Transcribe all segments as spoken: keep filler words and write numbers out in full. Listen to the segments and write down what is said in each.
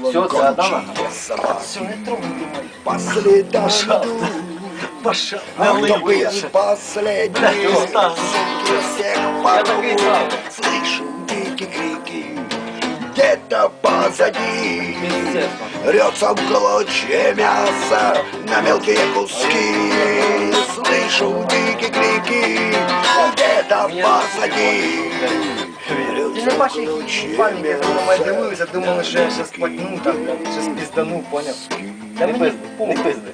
Все, ты отдала? Все, не трогай, думай. Последом иду. Пошел. А кто был последний? Сумки всех порву. Слышу дикие крики. Где-то позади рется в клочья мяса на мелкие куски. Слышу дикие крики. Где-то позади Ти не бачиш, які паніки, я думаю, дивився, думали, що я щас потну, там, щас піздану, поняв? Та мені Не похуй. пизди.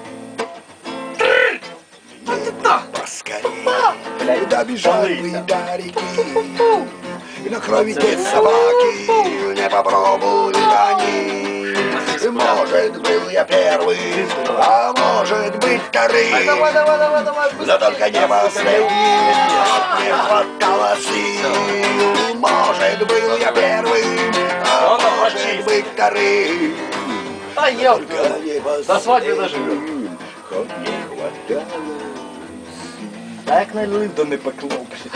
поскорее. Куда бежали вы до реки? На крови нет собаки, не попробуют они. Может, был я первый, а может быть вторым. Давай, давай, давай, давай, Но только не последний, не хватало сил. Может, был я первый, а может быть вторым. А я Только не до свадьбы доживет. Хоть не хватало. А як налив, то не пекло.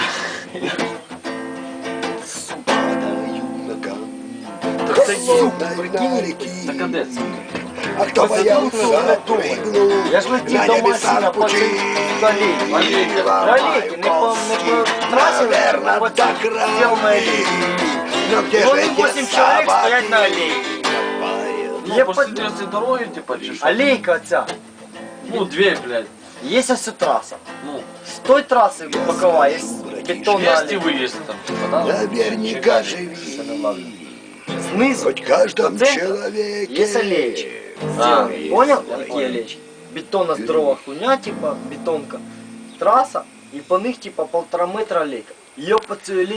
Падаю ногам. Так це є. Холодной на реки. Так а де це? А кто боялся, прыгнул Я ж летів на до небеса Масіна в по цій пути. алейці. Алейки, не по, не по трасі, Наверно, а по до цій сделанной алейці. Но где І же вони эти вісім чоловік стоять на собаки? алейці. Ну, Я посреди цієї дороги, типа, чи що? Алейка ця. Ну, две, блядь. Є ось траса. Ну, З той траси бокова є бетонна есть и алейка. выезд там, типа, да? Наверняка живи. Знизу Хоть в каждом до центра человеке. є алейчик. А. Понял? Такі алейчики. Бетонна здорова хуйня, типа, бетонка. Траса, і по них, типа, полтора метра алейка. Ее по цій алейці